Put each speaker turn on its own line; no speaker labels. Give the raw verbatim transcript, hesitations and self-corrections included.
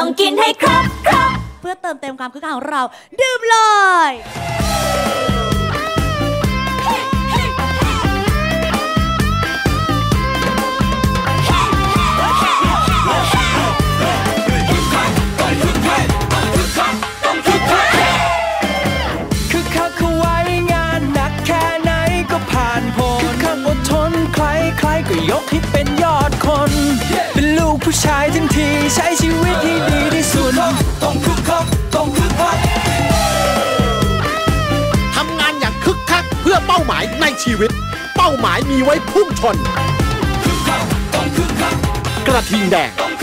กินให้ครบครบ
เพื่อเติมเต็มความคึกคักของเราดื่มเลย
คึกคักเข้าไว้งานหนักแค่ไหนก็ผ่านพ้นคึกคักอดทนใครใครก็ยกให้เป็นยอดคนเป็นลูกผู้ชายทั้งทีใช้ชีวิตให้ดีที่สุดต้องคึกคักต้องคึกคัก
ทำงานอย่างคึกคักเพื่อเป้าหมายในชีวิตเป้าหมายมีไว้พุ่งชนคึกคักต้องคึกคักกระทิงแดง